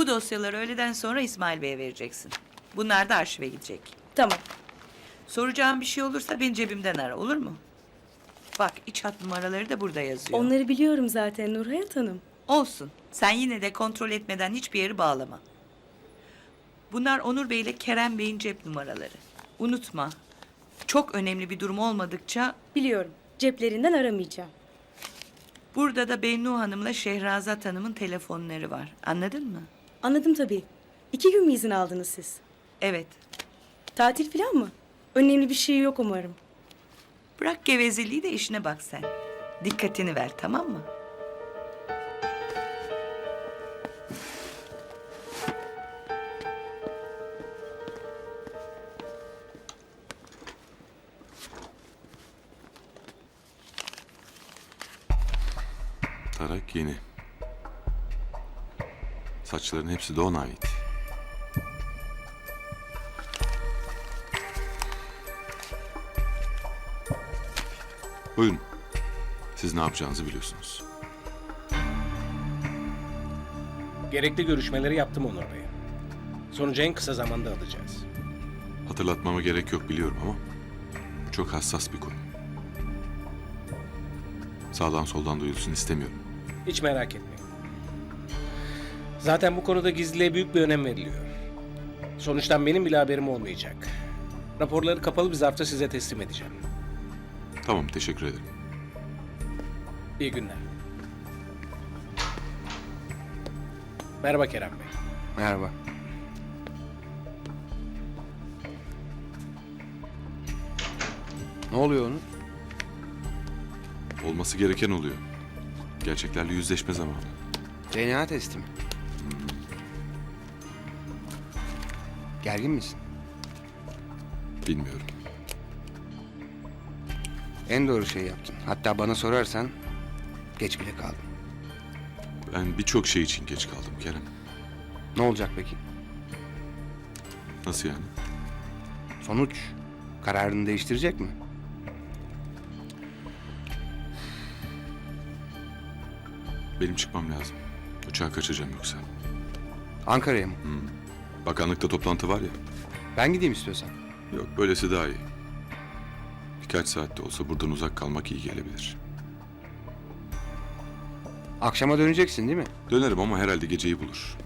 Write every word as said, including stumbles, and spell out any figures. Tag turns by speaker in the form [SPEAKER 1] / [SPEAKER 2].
[SPEAKER 1] Bu dosyaları öğleden sonra İsmail Bey'e vereceksin. Bunlar da arşive gidecek.
[SPEAKER 2] Tamam.
[SPEAKER 1] Soracağım bir şey olursa beni cebimden ara, olur mu? Bak, iç hat numaraları da burada yazıyor.
[SPEAKER 2] Onları biliyorum zaten Nurhayat Hanım.
[SPEAKER 1] Olsun. Sen yine de kontrol etmeden hiçbir yeri bağlama. Bunlar Onur Bey ile Kerem Bey'in cep numaraları. Unutma. Çok önemli bir durum olmadıkça
[SPEAKER 2] Biliyorum. Ceplerinden aramayacağım.
[SPEAKER 1] burada da Bennu Hanım'la Şehrazat Hanım'ın telefonları var. Anladın mı?
[SPEAKER 2] Anladım tabii. İki gün mü izin aldınız siz?
[SPEAKER 1] Evet.
[SPEAKER 2] Tatil falan mı? Önemli bir şey yok umarım.
[SPEAKER 1] Bırak gevezeliği de işine bak sen. Dikkatini ver, tamam mı?
[SPEAKER 3] Tarak yeni. Saçların hepsi de ona ait. Buyurun. Siz ne yapacağınızı biliyorsunuz.
[SPEAKER 4] Gerekli görüşmeleri yaptım Onur Bey. Sonucu en kısa zamanda alacağız.
[SPEAKER 3] Hatırlatmama gerek yok biliyorum ama çok hassas bir konu. Sağdan soldan duyulsun istemiyorum.
[SPEAKER 4] Hiç merak etmeyin. Zaten bu konuda gizliliğe büyük bir önem veriliyor. Sonuçtan benim bile haberim olmayacak. Raporları kapalı bir zarfta size teslim edeceğim.
[SPEAKER 3] Tamam, teşekkür ederim.
[SPEAKER 4] İyi günler. Merhaba Kerem Bey.
[SPEAKER 5] Merhaba. Ne oluyor onun?
[SPEAKER 3] Olması gereken oluyor. Gerçeklerle yüzleşme zamanı.
[SPEAKER 5] D N A testi mi? Gergin misin?
[SPEAKER 3] Bilmiyorum.
[SPEAKER 5] En doğru şeyi yaptın. Hatta bana sorarsan geç bile kaldın.
[SPEAKER 3] Ben birçok şey için geç kaldım Kerem.
[SPEAKER 5] Ne olacak peki?
[SPEAKER 3] Nasıl yani?
[SPEAKER 5] Sonuç kararını değiştirecek mi?
[SPEAKER 3] Benim çıkmam lazım. Uçağa kaçacağım yoksa.
[SPEAKER 5] Ankara'ya mı?
[SPEAKER 3] Bakanlıkta toplantı var ya.
[SPEAKER 5] Ben gideyim istiyorsan.
[SPEAKER 3] Yok, böylesi daha iyi. Birkaç saatte olsa buradan uzak kalmak iyi gelebilir.
[SPEAKER 5] Akşama döneceksin değil mi?
[SPEAKER 3] Dönerim ama herhalde geceyi bulur.